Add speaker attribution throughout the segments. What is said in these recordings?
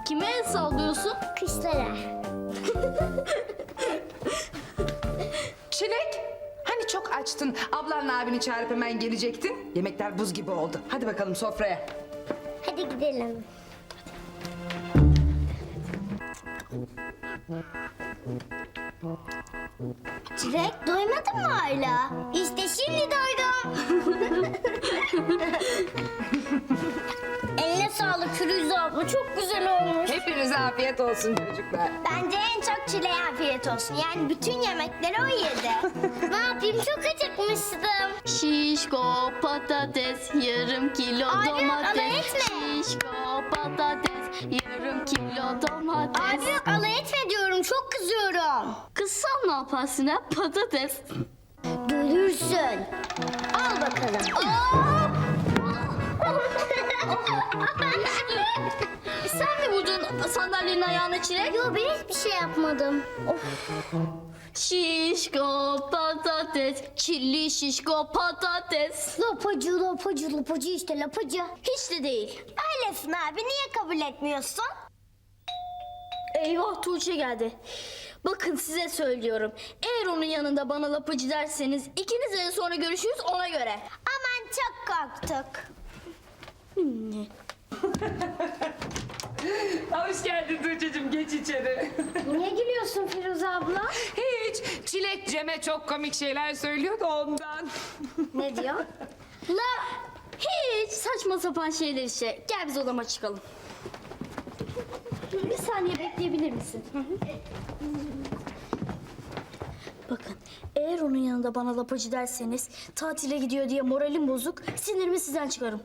Speaker 1: Kime el sallıyorsun?
Speaker 2: Kışlara.
Speaker 3: Çilek, hani çok açtın, ablanla abini çağırıp hemen gelecektin. Yemekler buz gibi oldu. Hadi bakalım sofraya.
Speaker 2: Hadi gidelim. Çilek doymadın mı hala? İşte şimdi doydum. Eline sağlık Firuze abla, çok güzel olmuş.
Speaker 3: Hepinize afiyet olsun çocuklar.
Speaker 2: Bence en çok Çileğe afiyet olsun. Yani bütün yemekleri o yedi. Ne yapayım, çok acıkmıştım.
Speaker 1: Şişko patates, yarım kilo
Speaker 2: Abi,
Speaker 1: domates.
Speaker 2: alay etme.
Speaker 1: Şişko patates, yarım kilo domates.
Speaker 2: Abi yok, alay etme diyorum, çok kızıyorum.
Speaker 1: Kızsan ne yaparsın ha? Patates.
Speaker 2: Görürsün. Al bakalım.
Speaker 1: Sen mi vurdun sandalyenin ayağına Çilek?
Speaker 2: Yo, ben hiçbir şey yapmadım.
Speaker 1: Şişko patates, çilli şişko patates.
Speaker 2: Lapacı işte lapacı.
Speaker 1: Hiç de değil.
Speaker 2: Öylesin abi, niye kabul etmiyorsun?
Speaker 1: Eyvah, Tuğçe geldi. Bakın size söylüyorum. Eğer onun yanında bana lapacı derseniz ikinizle de sonra görüşürüz, ona göre.
Speaker 2: Aman çok korktuk.
Speaker 3: Hoş geldin Tuğçe'cim, geç içeri.
Speaker 2: Niye gülüyorsun Firuze abla?
Speaker 3: Hiç, Çilek Cem'e çok komik şeyler söylüyor da ondan.
Speaker 2: Ne diyor?
Speaker 1: La hiç saçma sapan şeyler işte. Gel biz odama çıkalım. Bir saniye bekleyebilir misin? Bakın, eğer onun yanında bana lapacı derseniz tatile gidiyor diye moralim bozuk, sinirimi sizden çıkarım.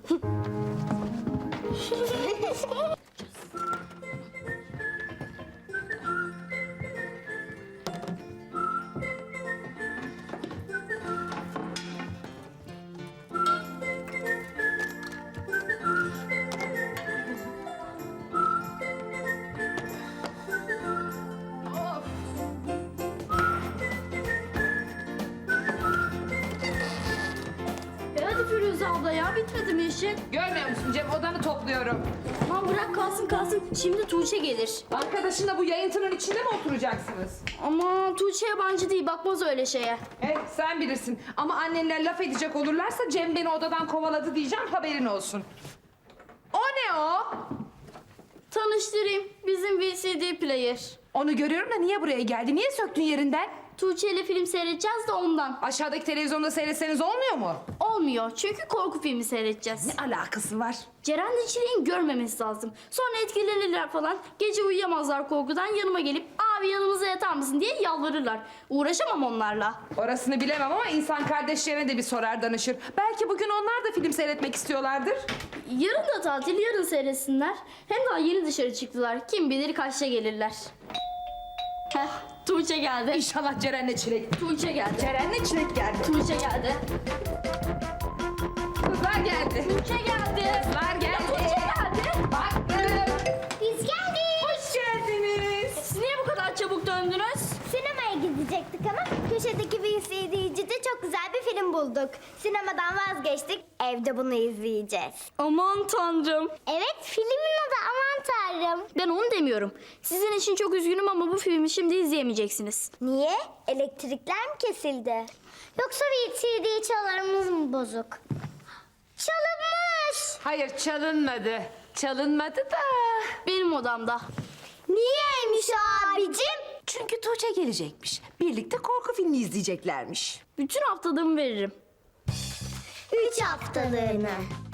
Speaker 1: Hadi Firuze abla ya, bitmedi mi işin?
Speaker 3: Görmüyor musun Cem, odanı topluyorum.
Speaker 1: Aman bırak kalsın. Şimdi Tuğçe gelir.
Speaker 3: Arkadaşınla bu yayıntının içinde mi oturacaksınız?
Speaker 1: Ama Tuğçe yabancı değil, bakmaz öyle şeye.
Speaker 3: Sen bilirsin. Ama annenler laf edecek olurlarsa Cem beni odadan kovaladı diyeceğim, haberin olsun. O ne o?
Speaker 1: Tanıştırayım, bizim VCD player.
Speaker 3: Onu görüyorum da niye buraya geldi? Niye söktün yerinden?
Speaker 1: Tuğçe ile film seyredeceğiz de ondan.
Speaker 3: Aşağıdaki televizyonda seyretseniz olmuyor mu?
Speaker 1: Olmuyor çünkü korku filmi seyredeceğiz.
Speaker 3: Ne alakası var?
Speaker 1: Ceren'le Çilek'in görmemesi lazım. Sonra etkilenirler falan. Gece uyuyamazlar korkudan, yanıma gelip abi yanımıza yatar mısın diye yalvarırlar. Uğraşamam onlarla.
Speaker 3: Orasını bilemem ama insan kardeşlerine de bir sorar danışır. Belki bugün onlar da film seyretmek istiyorlardır.
Speaker 1: Yarın da tatil, yarın seyretsinler. Hem daha yeni dışarı çıktılar. Kim bilir kaçta gelirler. Heh, Tuğçe geldi.
Speaker 3: İnşallah Ceren'le Çilek.
Speaker 1: Tuğçe geldi.
Speaker 3: Ceren'le Çilek geldi.
Speaker 1: Tuğçe geldi.
Speaker 3: Kızlar geldi.
Speaker 1: Tuğçe geldi.
Speaker 3: Kızlar geldi.
Speaker 1: Tuğçe geldi.
Speaker 3: Baktım.
Speaker 2: Biz geldik.
Speaker 3: Hoş geldiniz.
Speaker 1: Siz niye bu kadar çabuk döndünüz?
Speaker 2: Sinemaya gidecektik ama köşedeki VCD'cide çok güzel bir film bulduk. Sinemadan vazgeçtik, evde bunu izleyeceğiz.
Speaker 1: Aman tanrım.
Speaker 2: Evet, filmin adı Aman Tanrım.
Speaker 1: Ben onu demiyorum. Sizin için çok üzgünüm ama bu filmi şimdi izleyemeyeceksiniz.
Speaker 2: Niye? Elektrikler mi kesildi? Yoksa VCD çalarımız mı bozuk? Çalınmış.
Speaker 3: Hayır, çalınmadı. Çalınmadı da.
Speaker 1: Benim odamda.
Speaker 2: Niyeymiş abicim?
Speaker 3: Çünkü Tuğçe gelecekmiş. Birlikte korku filmi izleyeceklermiş.
Speaker 1: Bütün haftalığımı veririm.
Speaker 2: 3 haftalığına.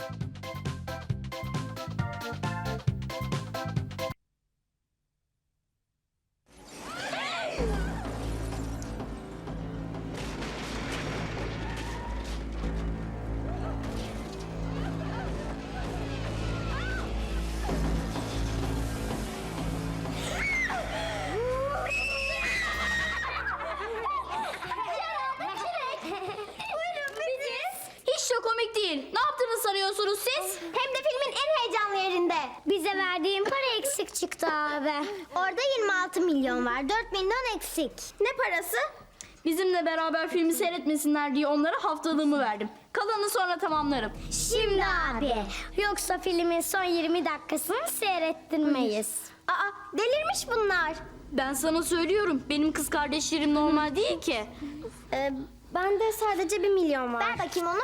Speaker 1: Hiç de komik değil. Ne yaptığını sanıyorsunuz siz?
Speaker 2: Hem de filmin en heyecanlı yerinde. Bize verdiğin para eksik çıktı abi. Orada 26 milyon var. 4 milyon eksik. Ne parası?
Speaker 1: Bizimle beraber filmi seyretmesinler diye onlara haftalığımı verdim. Kalanını sonra tamamlarım.
Speaker 2: Şimdi abi. Yoksa filmin son 20 dakikasını seyrettirmeyiz. Aa, delirmiş bunlar.
Speaker 1: Ben sana söylüyorum, benim kız kardeşlerim normal değil ki.
Speaker 2: Bende sadece 1 milyon var. Ver bakayım onu.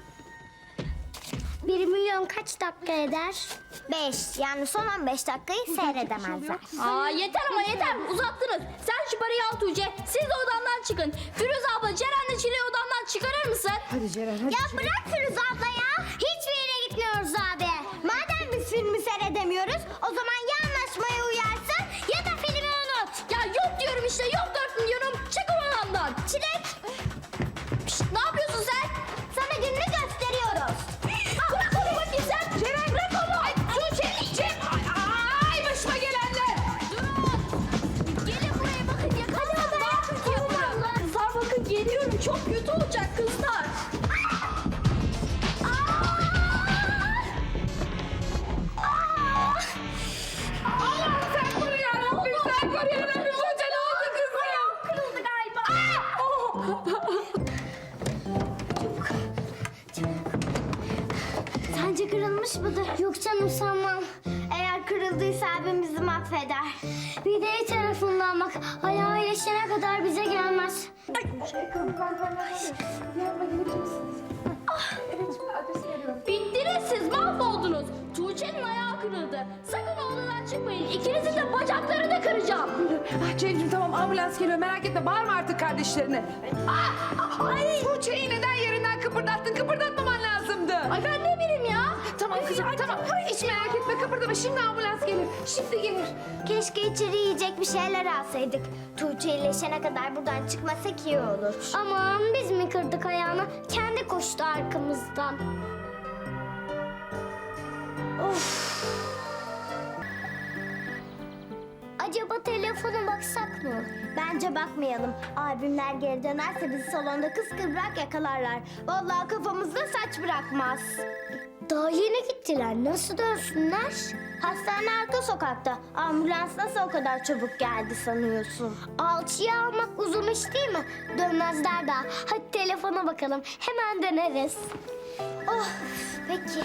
Speaker 2: 1 milyon kaç dakika eder? 5. Yani son 15 dakikayı seyredemezler.
Speaker 1: Aa yeter ama yeter, uzattınız. Sen şu parayı al Tuğçe, siz de odamdan çıkın. Firuze abla, Ceren'le Çile'yi odamdan çıkarır mısın?
Speaker 3: Hadi Ceren hadi.
Speaker 2: Ya bırak Firuze abla ya. Hiçbir yere gitmiyoruz abi. Madem biz filmi seyredemiyoruz, o zaman ya anlaşmaya uyarsın ya da filmi unut.
Speaker 1: Ya yok diyorum işte, yok 4 milyonum. Çık odamdan.
Speaker 2: Çilek,
Speaker 1: Şşt, ne yapıyorsun sen?
Speaker 2: sana gününü gösteriyoruz.
Speaker 1: Bırak onu bakayım sen.
Speaker 3: Ceren bırak onu. Ay Tuğçe. Cem. Ay başıma gelenler.
Speaker 1: Durun. Gelin buraya bakın, yakalayalım. Daha kötü yaparım. Kızlar bakın, geliyorum. Çok kötü olacak kızlar.
Speaker 3: Allah'ım sen koru yarabbim. Sen koru yarabbim. Tuğçe ne oldu kızım?
Speaker 1: Kırıldı galiba.
Speaker 2: Sence kırılmış mıdır? Yok canım sanmam. Eğer kırıldıysa abim bizi mahveder. Bir de iyi tarafından bak. Ayağı iyileşene kadar bize gelmez.
Speaker 1: Bittiniz siz, mahvoldunuz. Tuğçe'nin ayağı kırıldı. Sakın odadan çıkmayın. İkinizin de bacaklarını kıracağım.
Speaker 3: Ah Cem'ciğim tamam ambulans geliyor merak etme bağırma artık kardeşlerine. Ay Tuğçe'yi neden yerinden kıpırdattın? Kıpırdatmaman lazımdı.
Speaker 1: Ay ben ne bileyim ya.
Speaker 3: Tamam kızım tamam. Hiç merak etme kıpırdama şimdi ambulans gelir. Şimdi gelir.
Speaker 2: Keşke içeri yiyecek bir şeyler alsaydık. Tuğçe iyileşene kadar buradan çıkmasak iyi olur. Aman biz mi kırdık ayağını? Kendi koştu arkamızdan. Of. Acaba telefona baksak mı? Bence bakmayalım. Abimler geri dönerse bizi salonda kıskıvrak yakalarlar. Vallahi kafamızda saç bırakmaz. Daha yeni gittiler. Nasıl dönsünler? Hastane arka sokakta. Ambulans nasıl o kadar çabuk geldi sanıyorsun? Alçıya almak uzun iş değil mi? Dönmezler daha. Hadi telefona bakalım. Hemen döneriz. Oh, peki.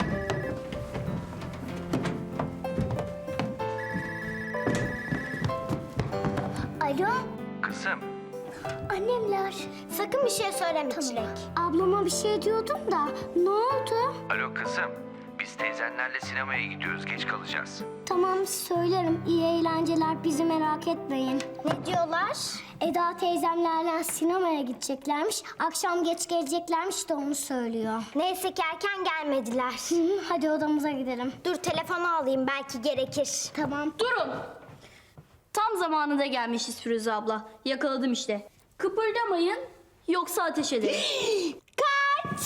Speaker 2: Alo,
Speaker 4: Kızım,
Speaker 2: annemler. Sakın bir şey söyleme Çilek. Ablama bir şey diyordum da ne oldu?
Speaker 4: alo kızım. Biz teyzenlerle sinemaya gidiyoruz, geç kalacağız.
Speaker 2: Tamam söylerim. İyi eğlenceler, bizi merak etmeyin. Ne diyorlar? Eda teyzemlerle sinemaya gideceklermiş. Akşam geç geleceklermiş de onu söylüyor. Neyse ki erken gelmediler. Hadi odamıza gidelim. Dur telefonu alayım belki gerekir. Tamam.
Speaker 1: Durun. Tam zamanında gelmişiz Firuze abla. Yakaladım işte. Kıpırdamayın, yoksa ateş ederim.
Speaker 2: Kaç!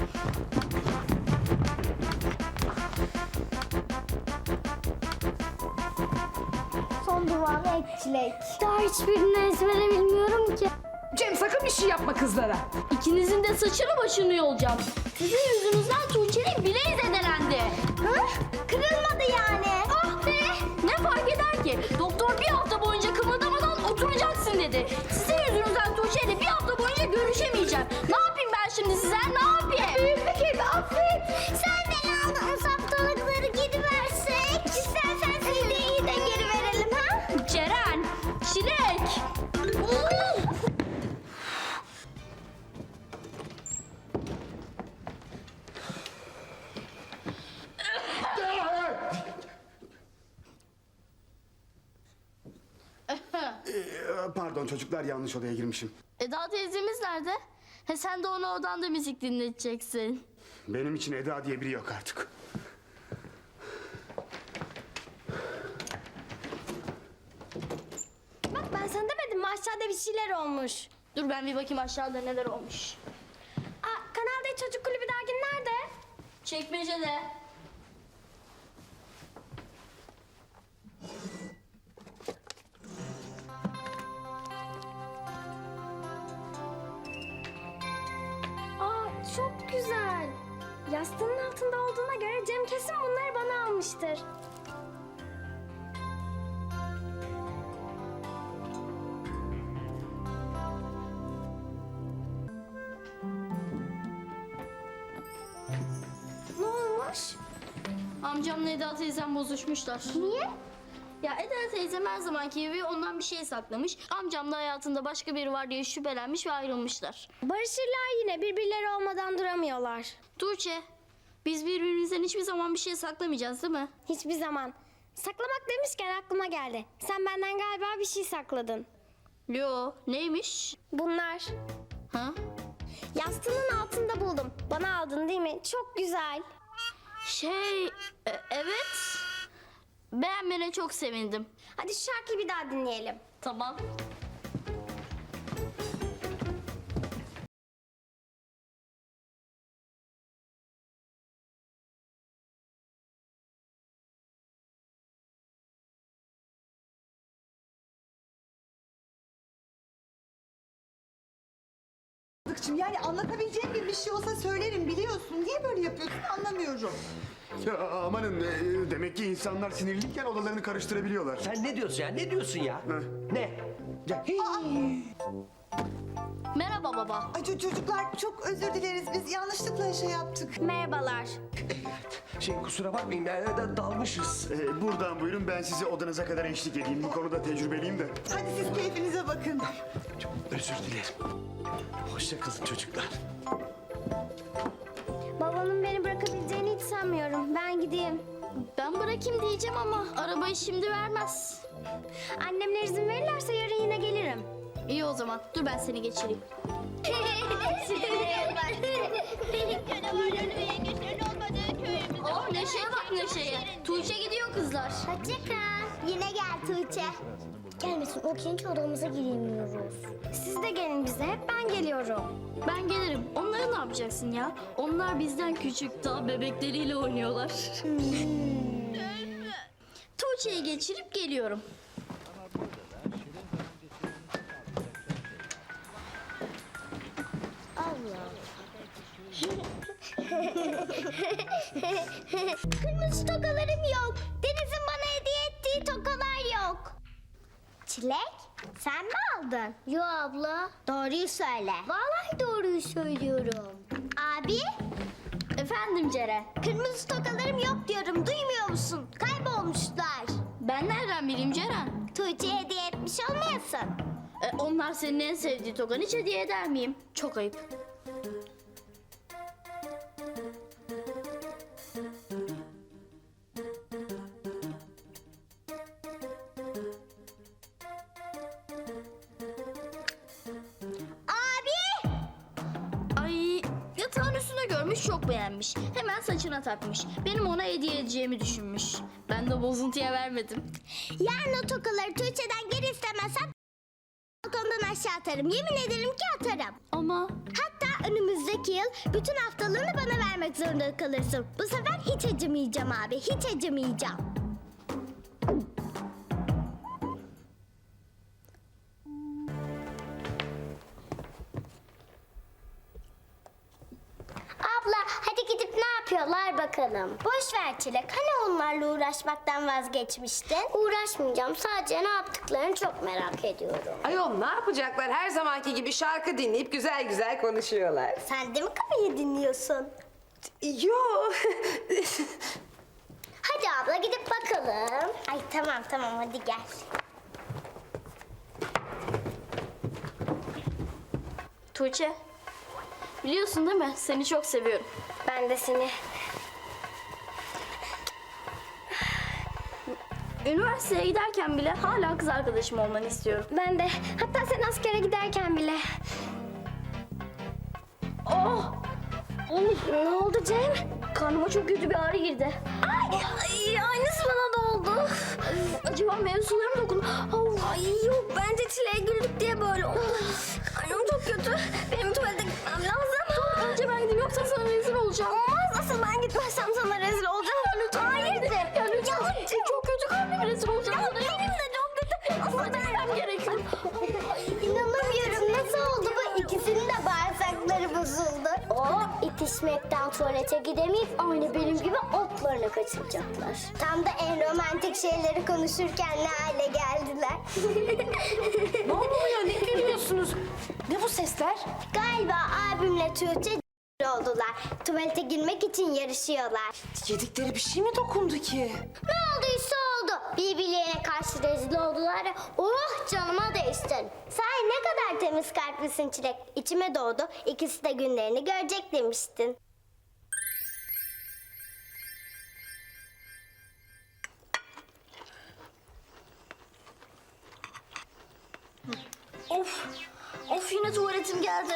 Speaker 2: Son duvarı et Çilek. Daha hiçbirini ezbere bilmiyorum ki.
Speaker 3: Cem sakın bir şey yapma kızlara.
Speaker 1: İkinizin de saçını başını yolacağım. Sizin yüzünüzden Tuğçe'nin bileği zedelendi.
Speaker 2: Hı? Kırılmadı yani. Oh be!
Speaker 1: Ne fark eder ki? Doktor bir hafta boyunca kımıldamadan oturacaksın dedi. Sizin yüzünüzden Tuğçe'yle bir hafta boyunca görüşemeyeceğim. Ne yapayım ben şimdi size? Ne yapayım?
Speaker 2: Büyük bir kez affet. Sen beni aldığın saptalıkları geri versek. İstersen CD'yi de geri verelim ha?
Speaker 1: Ceren, Çilek.
Speaker 5: Pardon çocuklar yanlış odaya girmişim.
Speaker 1: Eda teyzemiz nerede? He sen de onu odanda müzik dinleteceksin.
Speaker 5: Benim için Eda diye biri yok artık.
Speaker 2: Bak ben sana demedim mi aşağıda bir şeyler olmuş.
Speaker 1: Dur ben bir bakayım aşağıda neler olmuş.
Speaker 2: Kanal D Çocuk Kulübü dergin nerede?
Speaker 1: Çekmecede.
Speaker 2: Çok güzel. Yastığının altında olduğuna göre Cem kesin bunları bana almıştır. olmuş?
Speaker 1: Amcamla Eda teyzem bozuşmuşlar.
Speaker 2: Niye?
Speaker 1: Ya Eda teyzem her zamanki gibi ondan bir şey saklamış. Amcam da hayatında başka biri var diye şüphelenmiş ve ayrılmışlar.
Speaker 2: Barışırlar yine, birbirleri olmadan duramıyorlar.
Speaker 1: Tuğçe, biz birbirimizden hiçbir zaman bir şey saklamayacağız değil mi?
Speaker 2: Hiçbir zaman. Saklamak demişken aklıma geldi. Sen benden galiba bir şey sakladın.
Speaker 1: Yo, neymiş?
Speaker 2: Bunlar.
Speaker 1: Ha?
Speaker 2: Yastığının altında buldum. Bana aldın değil mi? Çok güzel.
Speaker 1: Evet. Beğenmene çok sevindim.
Speaker 2: Hadi şu şarkıyı bir daha dinleyelim.
Speaker 1: Tamam.
Speaker 6: Yani anlatabileceğim bir şey olsa söylerim biliyorsun. Niye böyle yapıyorsun anlamıyorum.
Speaker 5: Ya amanın demek ki insanlar sinirliyken odalarını karıştırabiliyorlar.
Speaker 7: Sen ne diyorsun ya? Ne diyorsun ya? Ne? Ya,
Speaker 1: Merhaba baba.
Speaker 6: Ay çocuklar çok özür dileriz. Biz yanlışlıkla şey yaptık.
Speaker 2: Merhabalar.
Speaker 7: kusura bakmayın ya, dalmışız.
Speaker 5: Buradan buyurun, ben sizi odanıza kadar eşlik edeyim. Bu konuda tecrübeliyim de.
Speaker 6: Hadi siz keyfinize bakın.
Speaker 7: Çok özür dilerim. Hoşça kalın çocuklar.
Speaker 2: Babamın beni bırakabileceğini hiç sanmıyorum. Ben gideyim.
Speaker 1: Ben bırakayım diyeceğim ama arabayı şimdi vermez.
Speaker 2: Annemler izin verirlerse yarın yine gelirim.
Speaker 1: İyi o zaman. Dur ben seni geçireyim. Oh Neşe'ye bak Neşe'ye. Tuğçe gidiyor kızlar.
Speaker 2: Hoşçakal. Yine gel Tuğçe. Gelmesin, o kendi odamıza giremiyoruz. Siz de gelin bize, hep ben geliyorum.
Speaker 1: Ben gelirim. Onları ne yapacaksın ya? Onlar bizden küçük, daha bebekleriyle oynuyorlar. Tuğçe'yi geçirip geliyorum.
Speaker 2: Kırmızı tokalarım yok. Deniz'in bana hediye ettiği tokalar yok. Çilek, sen mi aldın? Yo abla. Doğruyu söyle. Vallahi doğruyu söylüyorum. Abi,
Speaker 1: Efendim Ceren.
Speaker 2: kırmızı tokalarım yok diyorum. Duymuyor musun? Kaybolmuşlar.
Speaker 1: Ben nereden bileyim Ceren?
Speaker 2: Tuğçe'ye hediye etmiş olmayasın.
Speaker 1: Onlar senin en sevdiği tokanı hiç hediye eder miyim? Çok ayıp.
Speaker 2: Abi!
Speaker 1: Ay, yatağın üstüne görmüş, çok beğenmiş. Hemen saçına takmış. Benim ona hediye edeceğimi düşünmüş. Ben de bozuntuya vermedim.
Speaker 2: Yarın o tokaları Tuğçe'den geri istemezsem balkondan aşağı atarım. Yemin ederim ki atarım.
Speaker 1: Ama
Speaker 2: Hatta önümüzdeki yıl bütün haftalığını bana vermek zorunda kalırsın. Bu sefer hiç acımayacağım abi, hiç acımayacağım. Abla hadi gidip ne yapıyorlar bakalım. Boş ver Çilek. Hani onlarla uğraşmaktan vazgeçmiştin? Uğraşmayacağım. Sadece ne yaptıklarını çok merak ediyorum.
Speaker 3: Ayol ne yapacaklar? Her zamanki gibi şarkı dinleyip güzel güzel konuşuyorlar.
Speaker 2: Sen de mi kafayı dinliyorsun?
Speaker 3: Yo.
Speaker 2: Hadi abla gidip bakalım. Ay tamam hadi gel.
Speaker 1: Tuğçe, biliyorsun değil mi? Seni çok seviyorum.
Speaker 2: Ben de seni.
Speaker 1: Üniversiteye giderken bile hala kız arkadaşım olmanı istiyorum.
Speaker 2: Ben de. Hatta sen askere giderken bile.
Speaker 1: Oh!
Speaker 2: Ne oldu Cem?
Speaker 1: Karnıma çok kötü bir ağrı girdi.
Speaker 2: Ay aynısı bana da oldu.
Speaker 1: Acaba mevzularım dokun.
Speaker 2: Ay yok bence Çile'ye güldük diye böyle oldu. Karnım çok kötü. Benim tuvalete gitmem lazım.
Speaker 1: Önce ben gideyim yoksa sana rezil olacağım.
Speaker 2: Olmaz asıl ben gitmezsem sana rezil olacağım.
Speaker 1: Lütfen.
Speaker 2: Hayır de.
Speaker 1: Ya lütfen. Çok kötü karnım rezil olacağım.
Speaker 2: Ya benim de çok kötü. Asıl
Speaker 1: Ama
Speaker 2: ben...
Speaker 1: ben gerekiyor.
Speaker 2: İnanamıyorum nasıl oldu bu? İkisinin de bağırsakları bozuldu. O itişmekten tuvalete gidemeyip aynı benim gibi otlarını kaçıracaklar. Tam da en romantik şeyleri konuşurken ne hale geldiler.
Speaker 3: Ne oluyor? Ne gülüyorsunuz? Ne bu sesler?
Speaker 2: Galiba abimle Tuğçe oldular. Tuvalete girmek için yarışıyorlar.
Speaker 3: Yedikleri bir şey mi dokundu ki?
Speaker 2: Ne olduysa oldu. Birbirlerine karşı rezil oldular ya. Oh canıma değsin. Sahi ne kadar temiz kalplisin Çilek. İçime doğdu. İkisi de günlerini görecek demiştin.
Speaker 1: Of yine tuvaletim geldi.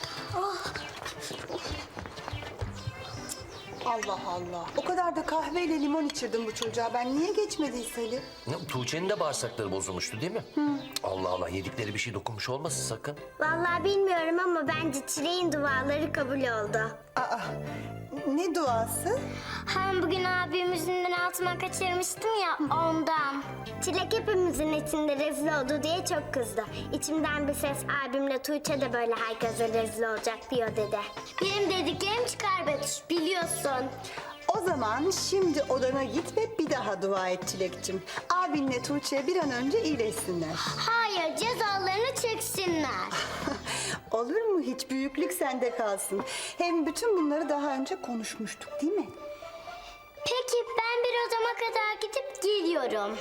Speaker 6: Allah Allah. O kadar da kahveyle limon içirdim bu çocuğa. Ben niye geçmediyse Ali?
Speaker 4: Tuğçe'nin de bağırsakları bozulmuştu değil mi? Allah Allah, yedikleri bir şey dokunmuş olmasın sakın.
Speaker 2: Vallahi bilmiyorum ama bence Çilek'in duaları kabul oldu.
Speaker 6: Aa, ne duası?
Speaker 2: Hem bugün abimizin altına kaçırmıştım ya ondan. Çilek hepimizin içinde rezil oldu diye çok kızdı. İçimden bir ses abimle Tuğçe de böyle herkese rezil olacak diyor dedi. Benim dediklerim çıkar Betüş biliyorsun.
Speaker 6: O zaman şimdi odana git ve bir daha dua et Çilek'cim. Abinle Tuğçe bir an önce iyileşsinler.
Speaker 2: Hayır cezalarını çeksinler.
Speaker 6: Olur mu hiç? Büyüklük sende kalsın. Hem bütün bunları daha önce konuşmuştuk değil mi?
Speaker 2: Peki ben bir odama kadar gidip geliyorum.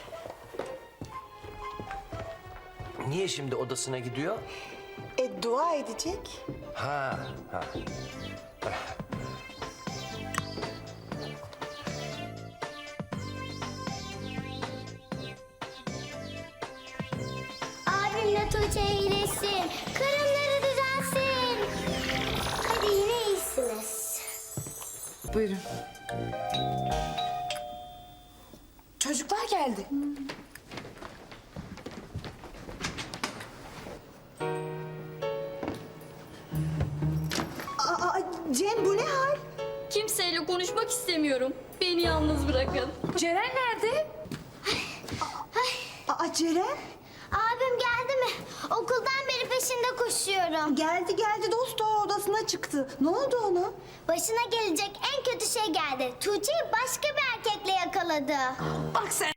Speaker 4: Niye şimdi odasına gidiyor?
Speaker 6: Dua edecek.
Speaker 4: Ha.
Speaker 2: Abimle Tuğçe iyileşsin. Karınları düzelsin. Hadi yine iyisiniz.
Speaker 3: Buyurun. Çocuklar geldi.
Speaker 6: Aa, Cem bu ne hal?
Speaker 1: Kimseyle konuşmak istemiyorum. Beni yalnız bırakın.
Speaker 3: Ceren nerede?
Speaker 6: Aa Ceren?
Speaker 2: Abim geldi mi? Okuldan beri peşinde koşuyorum.
Speaker 6: Geldi dost doğru odasına çıktı. Ne oldu ona?
Speaker 2: Başına gelecek en kötü şey geldi. Tuğçe'yi başka bir erkekle yakaladı.
Speaker 3: Bak sen.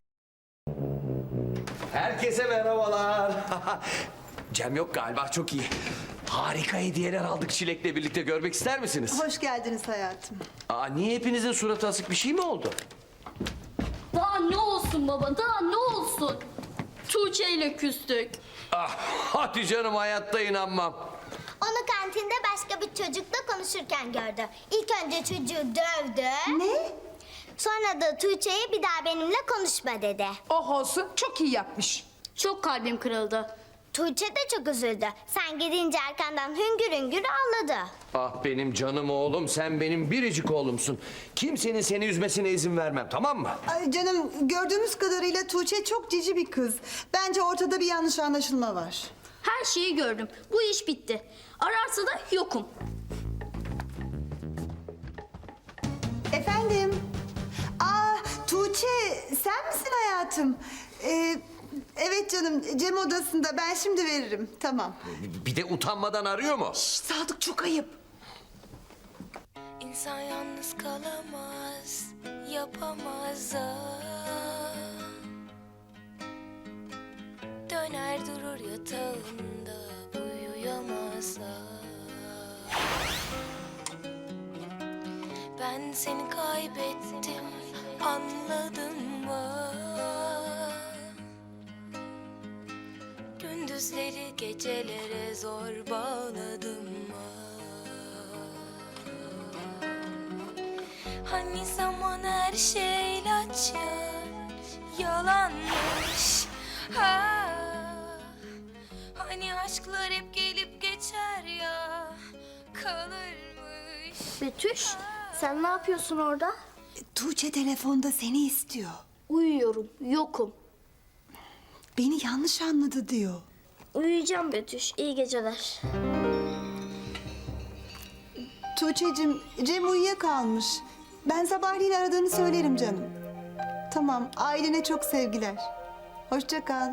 Speaker 7: Herkese merhabalar. Cem yok galiba, çok iyi. Harika hediyeler aldık Çilek'le birlikte, görmek ister misiniz?
Speaker 6: Hoş geldiniz hayatım.
Speaker 7: Niye hepinizin suratı asık, bir şey mi oldu?
Speaker 1: Daha ne olsun baba, daha ne olsun? Tuğçe ile küstük.
Speaker 7: Hadi canım, hayatta inanmam.
Speaker 2: Onu kantinde başka bir çocukla konuşurken gördü. İlk önce çocuğu dövdü.
Speaker 6: Ne?
Speaker 2: Sonra da Tuğçe'ye bir daha benimle konuşma dedi.
Speaker 3: Oh olsun, çok iyi yapmış.
Speaker 1: Çok kalbim kırıldı.
Speaker 2: Tuğçe de çok üzüldü. Sen gidince arkandan hüngür hüngür ağladı.
Speaker 7: Ah benim canım oğlum, sen benim biricik oğlumsun. Kimsenin seni üzmesine izin vermem, tamam mı?
Speaker 6: Ay canım gördüğümüz kadarıyla Tuğçe çok cici bir kız. Bence ortada bir yanlış anlaşılma var.
Speaker 1: Her şeyi gördüm. Bu iş bitti. Ararsa da yokum.
Speaker 6: Efendim? Tuğçe sen misin hayatım? Evet canım Cem odasında, ben şimdi veririm. Tamam.
Speaker 7: Bir de utanmadan arıyor mu?
Speaker 3: Sadık çok ayıp.
Speaker 8: İnsan yalnız kalamaz, yapamaz da. Döner durur yatağında, uyuyamaz da. Ben seni kaybettim, anladın mı? Gündüzleri gecelere zor bağladım mı? Hani zaman her şey ilaç ya, yalanmış. Ha, hani aşklar hep gelip geçer ya, kalırmış.
Speaker 1: Betüş, sen ne yapıyorsun orada?
Speaker 6: Tuğçe telefonda seni istiyor.
Speaker 1: Uyuyorum, yokum.
Speaker 6: Beni yanlış anladı diyor.
Speaker 1: Uyuyacağım Betüş, iyi geceler.
Speaker 6: Tuğçe'cim Cem uyuyakalmış. Ben sabahleyin aradığını söylerim canım. Tamam, ailene çok sevgiler. Hoşça kal.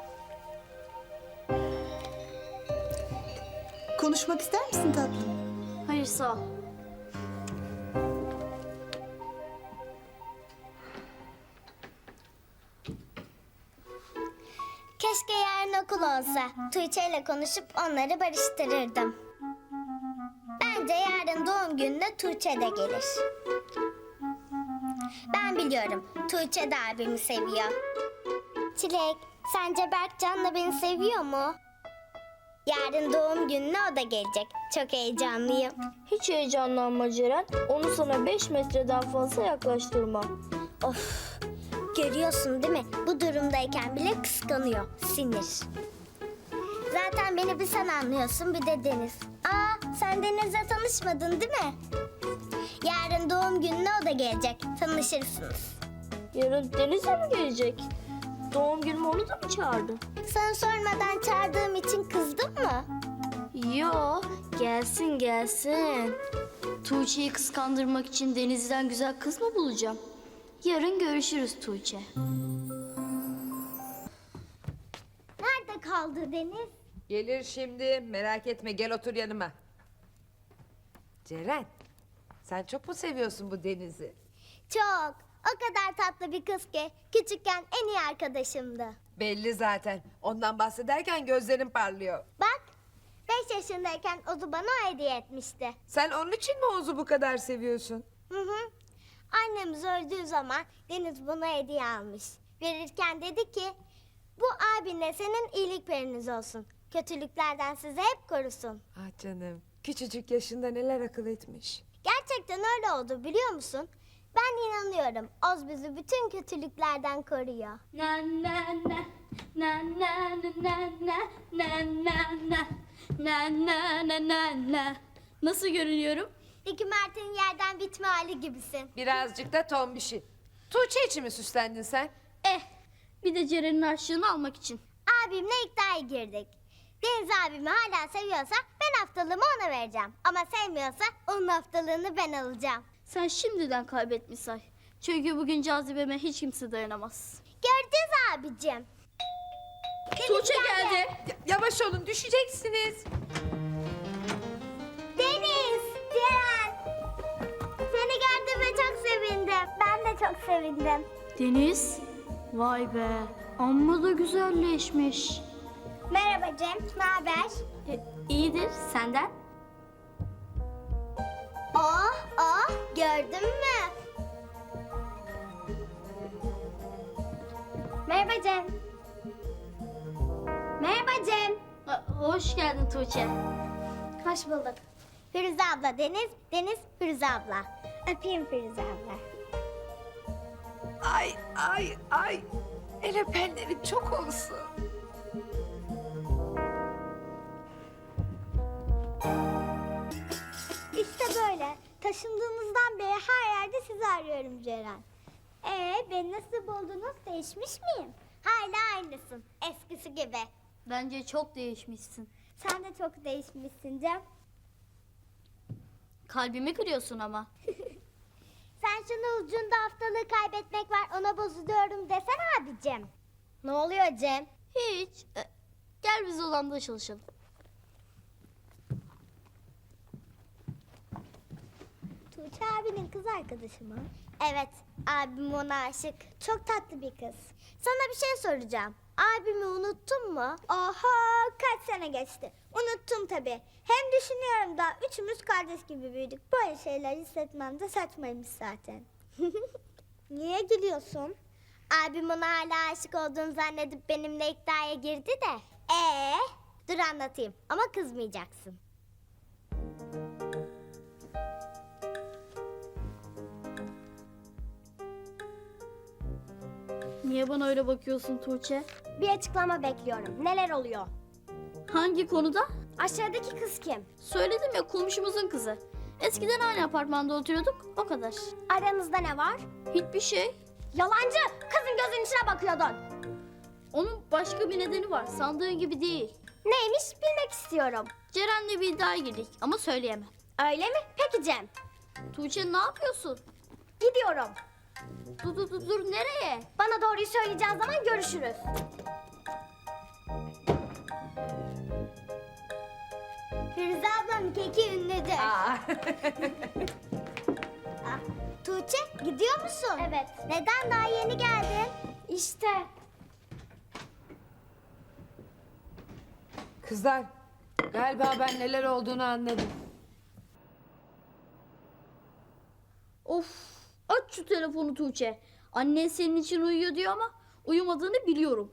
Speaker 6: Konuşmak ister misin tatlım?
Speaker 1: Hayır sağ ol.
Speaker 2: Keşke yarın okul olsa. Tuğçe ile konuşup onları barıştırırdım. Bence Bence yarın doğum gününe Tuğçe de gelir. Ben biliyorum. Tuğçe de abimi seviyor. Çilek, sence Berkcan da beni seviyor mu? Yarın doğum gününe o da gelecek. Çok heyecanlıyım.
Speaker 1: Hiç heyecanlanma Ceren. Onu sana 5 metreden fazla yaklaştırma.
Speaker 2: Of, görüyorsun değil mi? Bu durumdayken bile kıskanıyor. Sinir. Zaten beni bir sen anlıyorsun, bir de Deniz. Aa, sen Deniz'le tanışmadın değil mi? Yarın doğum gününe o da gelecek. Tanışırsınız.
Speaker 1: Yarın Deniz'e mi gelecek? Doğum günüme onu da mı çağırdın?
Speaker 2: Sana sormadan çağırdığım için kızdın mı?
Speaker 1: Yo, gelsin gelsin. Tuğçe'yi kıskandırmak için Deniz'den güzel kız mı bulacağım? Yarın görüşürüz Tuğçe.
Speaker 2: Nerede kaldı Deniz?
Speaker 3: Gelir şimdi. Merak etme, gel otur yanıma. Ceren, sen çok mu seviyorsun bu Deniz'i?
Speaker 2: Çok. O kadar tatlı bir kız ki küçükken en iyi arkadaşımdı.
Speaker 3: Belli zaten. Ondan bahsederken gözlerin parlıyor.
Speaker 2: Bak, 5 yaşındayken Ozu bana o hediye etmişti.
Speaker 3: Sen onun için mi Oğuz'u bu kadar seviyorsun?
Speaker 2: Hı hı. Annemiz öldüğü zaman Deniz buna hediye almış. Verirken dedi ki, bu abinle senin iyilik periniz olsun. Kötülüklerden sizi hep korusun.
Speaker 3: Ah canım, küçücük yaşında neler akıl etmiş.
Speaker 2: Gerçekten öyle oldu biliyor musun? Ben inanıyorum. Oz bizi bütün kötülüklerden koruyor.
Speaker 1: Na na na na na na na na na na na na na na. Nasıl görünüyorum?
Speaker 2: Ricky Mert'in yerden bitme hali gibisin.
Speaker 3: Birazcık da tombişi. Tuğçe için mi süslendin sen?
Speaker 1: Bir de Ceren'in harçlığını almak için.
Speaker 2: Abimle iddiaya girdik. Deniz abimi hala seviyorsa ben haftalığımı ona vereceğim. Ama sevmiyorsa onun haftalığını ben alacağım.
Speaker 1: Sen şimdiden kaybetmiş say. Çünkü bugün cazibeme hiç kimse dayanamaz.
Speaker 2: Göreceğiz abicim.
Speaker 1: Tuğçe geldi.
Speaker 3: Yavaş olun, düşeceksiniz.
Speaker 2: Deniz, Ceren. Seni gördüğüme çok sevindim. Ben de çok sevindim.
Speaker 1: Deniz. Vay be. Amma da güzelleşmiş.
Speaker 2: Merhaba Cem, ne haber?
Speaker 1: İyidir. Senden?
Speaker 2: Oh, gördün mü? Merhaba Cem. Merhaba Cem.
Speaker 1: Hoş geldin Tuğçe.
Speaker 2: Hoş bulduk. Firuze abla Deniz, Deniz Firuze abla. Öpeyim Firuze abla.
Speaker 3: Ay, ay, ay. El öpenlerin çok olsun.
Speaker 2: İşte böyle. Taşındığımızdan beri her yerde sizi arıyorum Ceren. Beni nasıl buldunuz? Değişmiş miyim? Hala aynısın. Eskisi gibi.
Speaker 1: Bence çok değişmişsin.
Speaker 2: Sen de çok değişmişsin Cem.
Speaker 1: Kalbimi kırıyorsun ama.
Speaker 2: Sen şunu ucunda haftalığı kaybetmek var ona bozuluyorum desene abicim. Ne oluyor Cem?
Speaker 1: Hiç. Gel biz odamda çalışalım.
Speaker 2: Tuğçe abinin kız arkadaşı mı? Evet, abim ona aşık. Çok tatlı bir kız. Sana bir şey soracağım. Abimi unuttun mu? Oha, kaç sene geçti. Unuttum tabii. Hem düşünüyorum da üçümüz kardeş gibi büyüdük. Böyle şeyler hissetmem de saçmaymış zaten. Niye gülüyorsun? Abim ona hala aşık olduğunu zannedip benimle iddiaya girdi de. Dur anlatayım ama kızmayacaksın.
Speaker 1: Niye bana öyle bakıyorsun Tuğçe?
Speaker 2: Bir açıklama bekliyorum. Neler oluyor?
Speaker 1: Hangi konuda?
Speaker 2: Aşağıdaki kız kim?
Speaker 1: Söyledim ya, komşumuzun kızı. Eskiden aynı apartmanda oturuyorduk, o kadar.
Speaker 2: Aranızda ne var?
Speaker 1: Hiçbir şey.
Speaker 2: Yalancı! Kızın gözünün içine bakıyordun.
Speaker 1: Onun başka bir nedeni var, sandığın gibi değil.
Speaker 2: Neymiş bilmek istiyorum.
Speaker 1: Ceren'le bir iddiaya girdik ama söyleyemem.
Speaker 2: Öyle mi? Peki Cem.
Speaker 1: Tuğçe ne yapıyorsun?
Speaker 2: Gidiyorum.
Speaker 1: Dur, nereye?
Speaker 2: Bana doğruyu söyleyeceğin zaman görüşürüz. Firuze ablam keki ünlüdür. Tuğçe gidiyor musun? Evet. Neden daha yeni geldin? İşte.
Speaker 3: Kızlar, galiba ben neler olduğunu anladım.
Speaker 1: telefonu Tuğçe. Annen senin için uyuyor diyor ama uyumadığını biliyorum.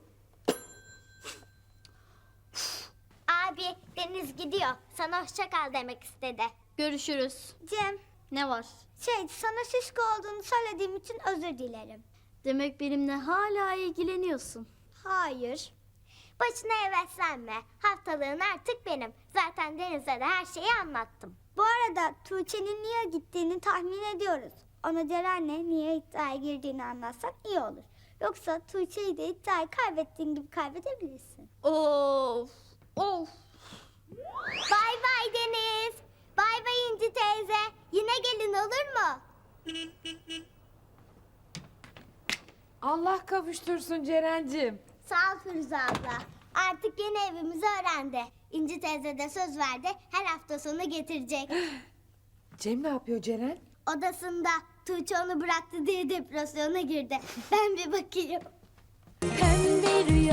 Speaker 2: Abi Deniz gidiyor. Sana hoşça kal demek istedi.
Speaker 1: Görüşürüz.
Speaker 2: Cem,
Speaker 1: Ne var?
Speaker 2: sana şişko olduğunu söylediğim için özür dilerim.
Speaker 1: Demek benimle hala ilgileniyorsun.
Speaker 2: Hayır. Başına heveslenme. Haftalığın artık benim. Zaten Deniz'e de her şeyi anlattım. Bu arada Tuğçe'nin niye gittiğini tahmin ediyoruz. Ona Ceren'le niye iddiaya girdiğini anlatsak iyi olur. Yoksa Tuğçe'yi de iddiayı kaybettiğin gibi kaybedebilirsin.
Speaker 1: Of. Of.
Speaker 2: Bay bay Deniz. Bay bay İnci teyze. Yine gelin olur mu?
Speaker 3: Allah kavuştursun Ceren'cim.
Speaker 2: Sağ ol Firuze abla. Artık yeni evimizi öğrendi. İnci teyze de söz verdi. Her hafta sonu getirecek.
Speaker 3: Cem ne yapıyor Ceren?
Speaker 2: Odasında Tuğçe onu bıraktı diye depresyona girdi. Ben bir bakayım.
Speaker 8: Pembe rüya